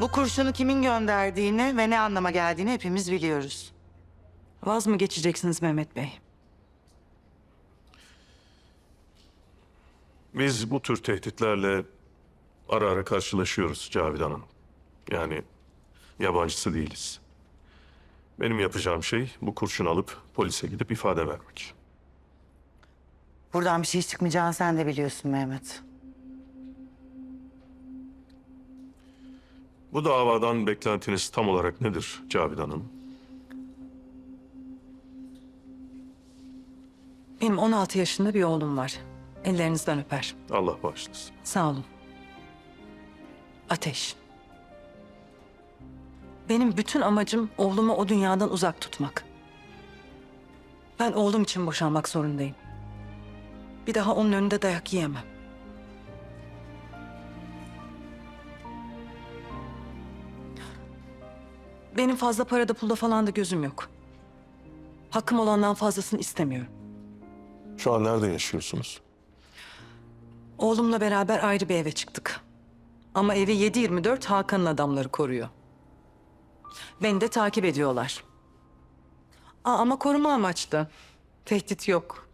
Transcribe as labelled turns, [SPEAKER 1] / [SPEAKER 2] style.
[SPEAKER 1] Bu kurşunu kimin gönderdiğini ve ne anlama geldiğini hepimiz biliyoruz.
[SPEAKER 2] Vaz mı geçeceksiniz Mehmet Bey?
[SPEAKER 3] Biz bu tür tehditlerle ara ara karşılaşıyoruz Cavidan Hanım. Yani yabancısı değiliz. Benim yapacağım şey bu kurşunu alıp polise gidip ifade vermek.
[SPEAKER 1] Buradan bir şey çıkmayacağını sen de biliyorsun Mehmet.
[SPEAKER 3] Bu davadan beklentiniz tam olarak nedir Cavidan Hanım?
[SPEAKER 2] Benim 16 yaşında bir oğlum var. Ellerinizden öper.
[SPEAKER 3] Allah bağışlasın.
[SPEAKER 2] Sağ olun. Ateş. Benim bütün amacım oğlumu o dünyadan uzak tutmak. Ben oğlum için boşanmak zorundayım. Bir daha onun önünde dayak yiyemem. Benim fazla parada pulda falan da gözüm yok. Hakkım olandan fazlasını istemiyorum.
[SPEAKER 3] Şu an nerede yaşıyorsunuz?
[SPEAKER 2] Oğlumla beraber ayrı bir eve çıktık. Ama evi 7/24 Hakan'ın adamları koruyor. Beni de takip ediyorlar. Ama koruma amaçlı. Tehdit yok.